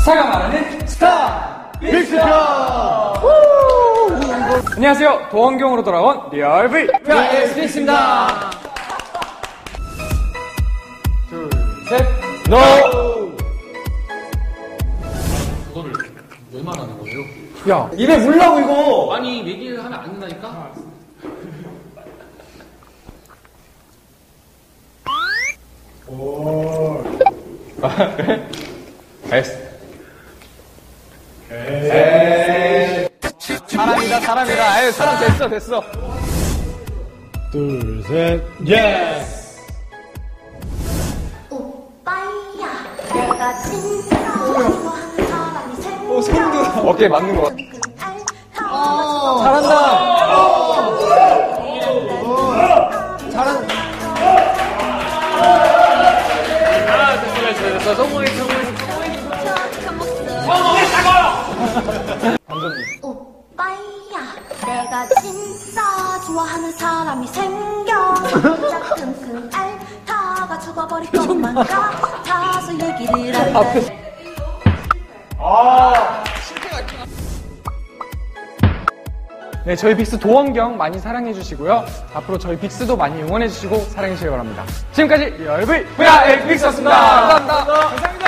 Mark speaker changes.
Speaker 1: 스타가 말하는 스타 빅스표. 안녕하세요. 도원경으로 돌아온 리얼 V 빅스입니다. 둘, 셋, 노.
Speaker 2: 그거를 왜 말하는 거예요?
Speaker 1: 야, 입에 물라고 이거.
Speaker 2: 아니 얘기를 하면 안 된다니까?
Speaker 1: 오. 됐어. 사람이다. 아유, 사람 됐어. 둘, 셋, 예스.
Speaker 3: 오빠야, 내가 진짜 좋아하는 사람이 생겨.
Speaker 1: 손도 어깨에 맞는 거 같아. 잘한다.
Speaker 2: 됐어. 성공했어.
Speaker 3: 오빠야, 내가 진짜 좋아하는 사람이 생겨. 끙끙 앓다가 죽어버릴 것만 같아서 얘기를 할래.
Speaker 1: 네, 저희 빅스 도원경 많이 사랑해주시고요. 앞으로 저희 빅스도 많이 응원해주시고 사랑해주시기 바랍니다. 지금까지 리얼 V 빅스였습니다. 감사합니다.